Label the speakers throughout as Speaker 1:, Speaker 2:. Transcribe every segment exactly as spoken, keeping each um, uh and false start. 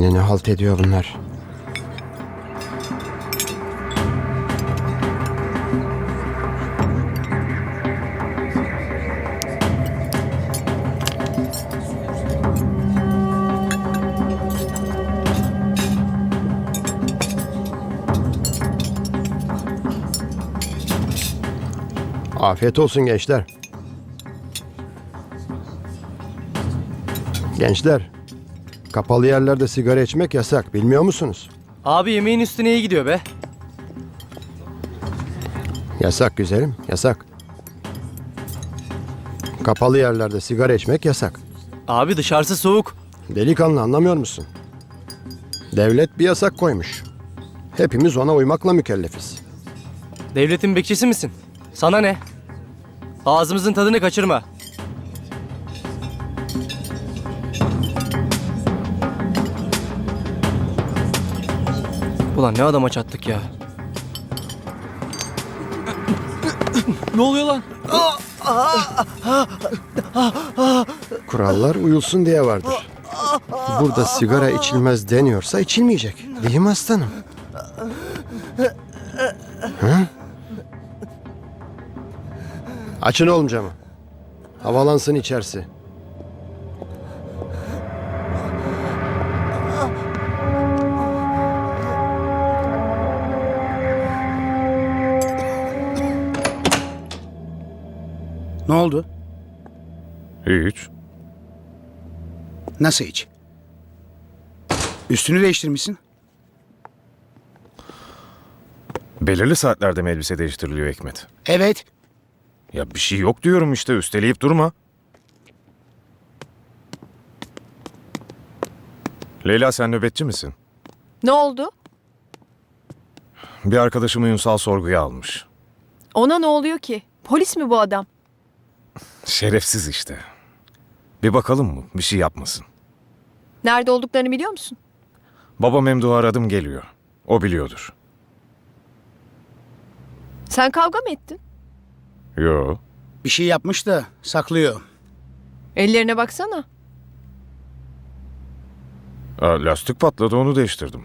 Speaker 1: Yine ne halt ediyor bunlar? Afiyet olsun gençler. Gençler, kapalı yerlerde sigara içmek yasak, bilmiyor musunuz?
Speaker 2: Abi yemeğin üstüne iyi gidiyor be.
Speaker 1: Yasak güzelim, yasak. Kapalı yerlerde sigara içmek yasak.
Speaker 2: Abi dışarısı soğuk.
Speaker 1: Delikanlı, anlamıyor musun? Devlet bir yasak koymuş. Hepimiz ona uymakla mükellefiz.
Speaker 2: Devletin bekçisi misin? Sana ne? Ağzımızın tadını kaçırma. Ulan ne adama çattık ya. Ne oluyor lan?
Speaker 1: Kurallar uyulsun diye vardır. Burada sigara içilmez deniyorsa içilmeyecek. Değil mi aslanım? Hı? Açın oğlum camı. Havalansın içerisi.
Speaker 3: Ne oldu?
Speaker 4: Hiç.
Speaker 3: Nasıl hiç? Üstünü değiştirmişsin.
Speaker 4: Belirli saatlerde mi elbise değiştiriliyor Hikmet?
Speaker 3: Evet.
Speaker 4: Ya bir şey yok diyorum işte, üsteleyip durma. Leyla, sen nöbetçi misin?
Speaker 5: Ne oldu?
Speaker 4: Bir arkadaşımı Ünsal sorguya almış.
Speaker 5: Ona ne oluyor ki? Polis mi bu adam?
Speaker 4: Şerefsiz işte. Bir bakalım mı? Bir şey yapmasın.
Speaker 5: Nerede olduklarını biliyor musun?
Speaker 4: Baba Memduh'u aradım, geliyor. O biliyordur.
Speaker 5: Sen kavga mı ettin?
Speaker 4: Yo.
Speaker 3: Bir şey yapmış da saklıyor.
Speaker 5: Ellerine baksana.
Speaker 4: Aa, lastik patladı, onu değiştirdim.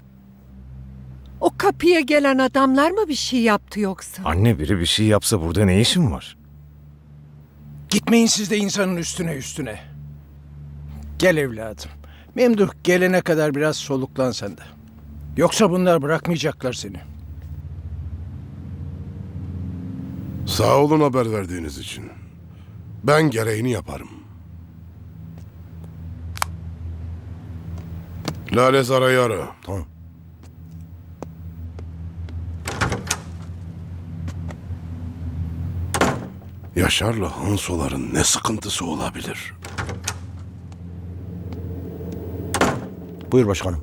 Speaker 6: O kapıya gelen adamlar mı bir şey yaptı yoksa?
Speaker 4: Anne, biri bir şey yapsa burada ne işin var?
Speaker 7: Gitmeyin siz de insanın üstüne üstüne. Gel evladım. Memduh gelene kadar biraz soluklan sen de. Yoksa bunlar bırakmayacaklar seni.
Speaker 8: Sağ olun haber verdiğiniz için. Ben gereğini yaparım. Lale Zara'yı ara. Tamam. Yaşar'la Hansoların ne sıkıntısı olabilir?
Speaker 9: Buyur başkanım.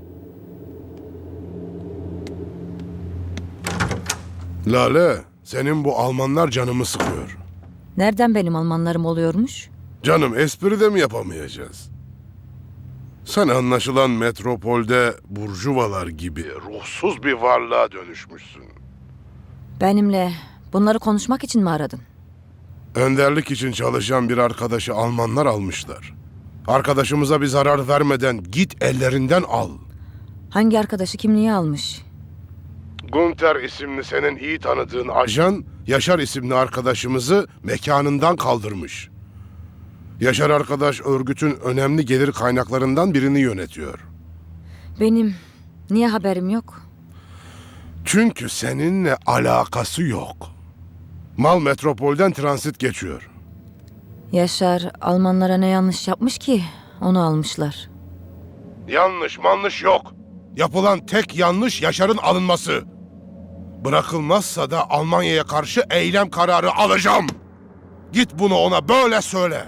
Speaker 8: Lale, senin bu Almanlar canımı sıkıyor.
Speaker 10: Nereden benim Almanlarım oluyormuş?
Speaker 8: Canım, espri de mi yapamayacağız? Sen anlaşılan metropolde burjuvalar gibi ruhsuz bir varlığa dönüşmüşsün.
Speaker 10: Benimle bunları konuşmak için mi aradın?
Speaker 8: Önderlik için çalışan bir arkadaşı Almanlar almışlar. Arkadaşımıza bir zarar vermeden git ellerinden al.
Speaker 10: Hangi arkadaşı kimliği almış?
Speaker 8: Gunter isimli senin iyi tanıdığın ajan, Yaşar isimli arkadaşımızı mekanından kaldırmış. Yaşar arkadaş örgütün önemli gelir kaynaklarından birini yönetiyor.
Speaker 10: Benim niye haberim yok?
Speaker 8: Çünkü seninle alakası yok. Mal metropolden transit geçiyor.
Speaker 10: Yaşar Almanlara ne yanlış yapmış ki onu almışlar.
Speaker 8: Yanlış manlış yok. Yapılan tek yanlış Yaşar'ın alınması. Bırakılmazsa da Almanya'ya karşı eylem kararı alacağım. Git bunu ona böyle söyle.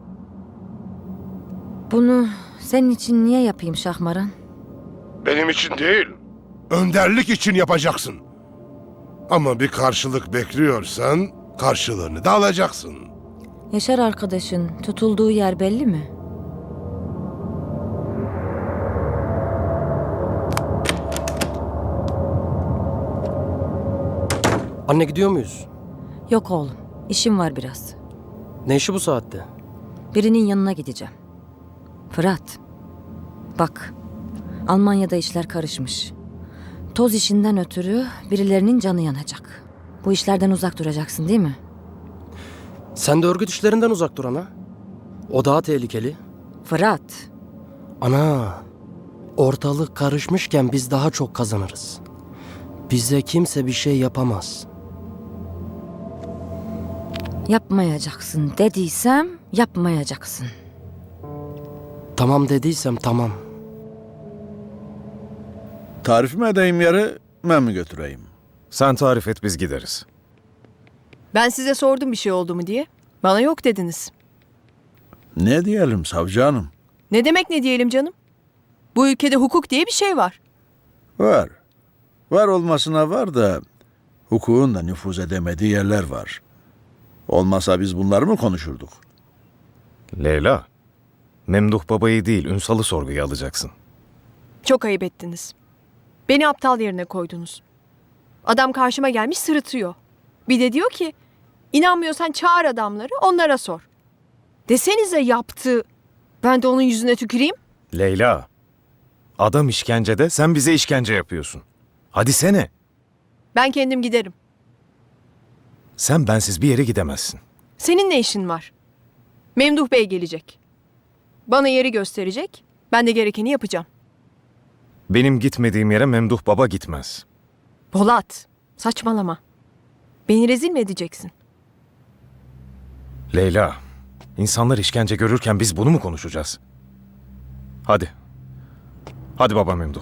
Speaker 10: Bunu senin için niye yapayım Şahmaran?
Speaker 8: Benim için değil, önderlik için yapacaksın. Ama bir karşılık bekliyorsan karşılığını da alacaksın.
Speaker 10: Yaşar arkadaşın tutulduğu yer belli mi?
Speaker 2: Anne, gidiyor muyuz?
Speaker 10: Yok oğlum, işim var biraz.
Speaker 2: Ne işi bu saatte?
Speaker 10: Birinin yanına gideceğim. Fırat, bak Almanya'da işler karışmış. Toz işinden ötürü birilerinin canı yanacak. Bu işlerden uzak duracaksın değil mi?
Speaker 2: Sen de örgüt işlerinden uzak dur ana. O daha tehlikeli.
Speaker 10: Fırat,
Speaker 2: Ana, ortalık karışmışken biz daha çok kazanırız. Bize kimse bir şey yapamaz.
Speaker 10: yapmayacaksın dediysem yapmayacaksın.
Speaker 2: Tamam dediysem tamam.
Speaker 11: Tarif mi edeyim yeri, ben mi götüreyim?
Speaker 4: Sen tarif et biz gideriz.
Speaker 5: Ben size sordum bir şey oldu mu diye. Bana yok dediniz.
Speaker 11: Ne diyelim savcı hanım?
Speaker 5: Ne demek ne diyelim canım? Bu ülkede hukuk diye bir şey var.
Speaker 11: Var. Var olmasına var da hukukun da nüfuz edemediği yerler var. Olmasa biz bunları mı konuşurduk?
Speaker 4: Leyla, Memduh babayı değil Ünsal'ı sorguya alacaksın.
Speaker 5: Çok ayıp ettiniz. Beni aptal yerine koydunuz. Adam karşıma gelmiş sırıtıyor. Bir de diyor ki, inanmıyorsan çağır adamları, onlara sor. Desenize yaptı. Ben de onun yüzüne tüküreyim.
Speaker 4: Leyla, adam işkencede, sen bize işkence yapıyorsun. Hadi sene.
Speaker 5: Ben kendim giderim.
Speaker 4: Sen bensiz bir yere gidemezsin.
Speaker 5: Senin ne işin var? Memduh Bey gelecek. Bana yeri gösterecek. Ben de gerekeni yapacağım.
Speaker 4: Benim gitmediğim yere Memduh baba gitmez.
Speaker 5: Polat, saçmalama. Beni rezil mi edeceksin?
Speaker 4: Leyla, insanlar işkence görürken biz bunu mu konuşacağız? Hadi. Hadi baba Memduh.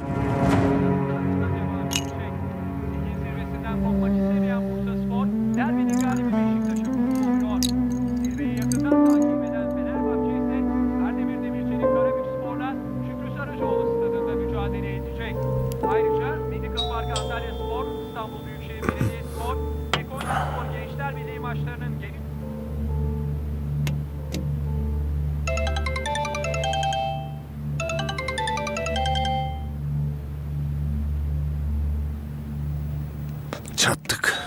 Speaker 12: Zirvesinden kopmak istemeyen Bursa Spor, derbide galibi Beşiktaş'ı buluyor. Zirveyi yakından takip eden Fenerbahçe ise Kardemir Demirci'nin Karabük Spor'la Şükrü Saracoğlu stadında mücadele edecek. Ayrıca Medical Park Antalya Spor, İstanbul Büyükşehir Belediyespor ve Konyaspor Gençler Birliği maçlarının geri
Speaker 11: Çattık.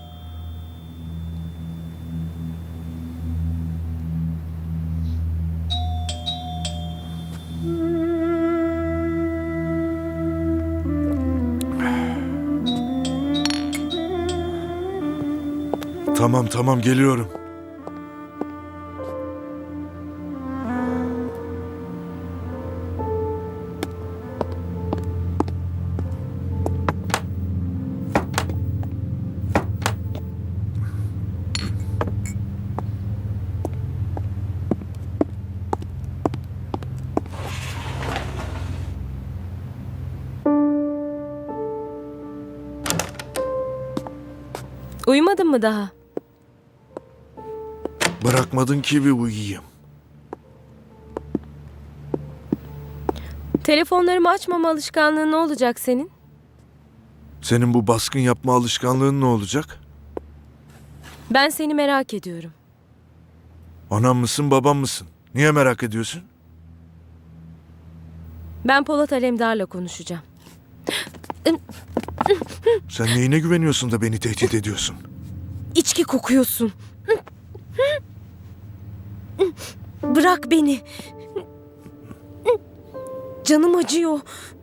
Speaker 9: Tamam tamam geliyorum.
Speaker 10: Uyumadın mı daha?
Speaker 9: Bırakmadın ki bir uyuyayım.
Speaker 10: Telefonlarımı açmama alışkanlığı ne olacak senin?
Speaker 9: Senin bu baskın yapma alışkanlığın ne olacak?
Speaker 10: Ben seni merak ediyorum.
Speaker 9: Anam mısın babam mısın? Niye merak ediyorsun?
Speaker 10: Ben Polat Alemdar'la konuşacağım.
Speaker 9: Sen neyine güveniyorsun da beni tehdit ediyorsun?
Speaker 10: İçki kokuyorsun. Bırak beni. Canım acıyor.